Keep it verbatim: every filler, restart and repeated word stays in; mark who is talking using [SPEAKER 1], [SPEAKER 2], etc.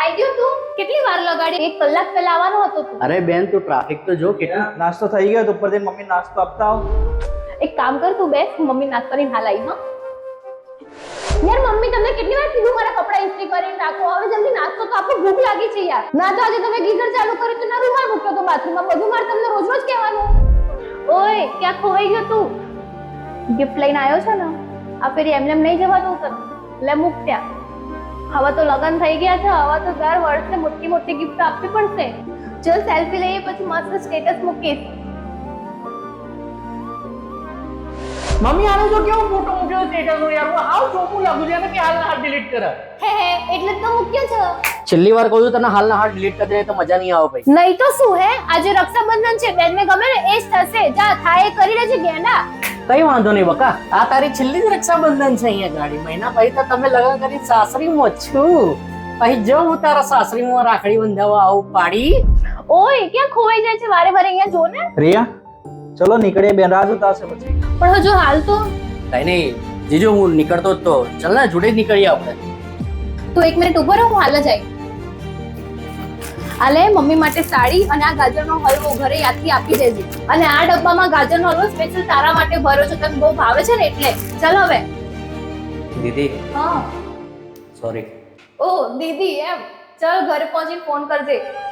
[SPEAKER 1] આવી ગયો તું? કેટલી વાર લગાડી? એક કલાક પહેલા આવવાનો હતો તું.
[SPEAKER 2] અરે બેન તું ટ્રાફિક તો જો કેટલું.
[SPEAKER 3] નાસ્તો થઈ ગયો તો ઉપર જઈને મમ્મી નાસ્તો આપતા આવ.
[SPEAKER 1] એક કામ કર તું બેસ, હું મમ્મી નાસ્તો કરીને હાલ આવી. હા યાર મમ્મી તમને કેટલી વાર કીધું મારા કપડા ઇસ્ત્રી કરીને રાખો, હવે જલ્દી નાસ્તો તો આપો, ભૂખ લાગી છે યાર. ના તો આજે તમે ગીઝર ચાલુ કર્યું તો ના રૂમાલ મૂક્યો તો બાથરૂમમાં, બધું મારે તમને રોજ રોજ કહેવાનું. ઓય ક્યાં ખોવાઈ ગયો તું? ગિફ્ટ લઈને આવ્યો છે ને, આ ફેરી એમને એમ નહીં જવા દઉં તને. લે મૂક ત્યાં. હવે તો લગન થઈ ગયા છે, હવે તો દર વર્ષે મોટી મોટી ગિફ્ટ આપવી પડશે. ચલ સેલ્ફી લઈએ પછી મસ્ત સ્ટેટસ મૂકીશ.
[SPEAKER 2] મમ્મી આનો જો કેવો ફોટો મૂક્યો સ્ટેટસ નો યાર, હું આવ ચોખ્ખું લાગુ છે કે હાલના હાથ ડિલીટ કરે.
[SPEAKER 1] હે હે એટલે જ તો મૂક્યો છે.
[SPEAKER 2] છેલ્લી વાર કહું તને હાલના હાથ ડિલીટ કરી દે તો મજા નહીં આવે ભાઈ.
[SPEAKER 1] નહીં તો શું હે, આજે રક્ષાબંધન છે, બેનને ગમે ને એ જ થશે. જા થાય કરી લેજે ગેંડા.
[SPEAKER 2] કઈ વાંધો નહીં બકા, આ તારી છેલ્લી જ રક્ષાબંધન છે અહીંયા ગાડી મહિના પછી તો તમે લગન કરી સાસરીમાં છું, પછી જો હું તારા સાસરીમાં રાખડી બંધાવવા આવું પાડી.
[SPEAKER 1] ઓય ક્યાં ખોવાઈ જાય છે વારે વારે, અહીંયા જો ને.
[SPEAKER 3] રિયા ચલો નીકળીએ, બેન રાહ જોતા હશે પછી.
[SPEAKER 1] પણ હજુ હાલ તો
[SPEAKER 2] કઈ નહીં જીજુ, હું નીકળતો જ તો ચાલ ને જોડે જ નીકળીએ આપણે.
[SPEAKER 1] તું એક મિનિટ ઉભો રહો, હું હાલ જ આવી. આ લે મમ્મી માટે સાડી અને આ ગાજરનો હલવો ઘરે યાદથી આપી દેજે. અને આ ડબ્બામાં ગાજરનો હલવો સ્પેશિયલ તારા માટે ભર્યો છે, તને બહુ ભાવે છે ને એટલે. ચાલ હવે.
[SPEAKER 2] દીદી
[SPEAKER 1] હા
[SPEAKER 2] સોરી.
[SPEAKER 1] ઓ દીદી એમ, ચાલ ઘરે પહોંચીને ફોન કરજે.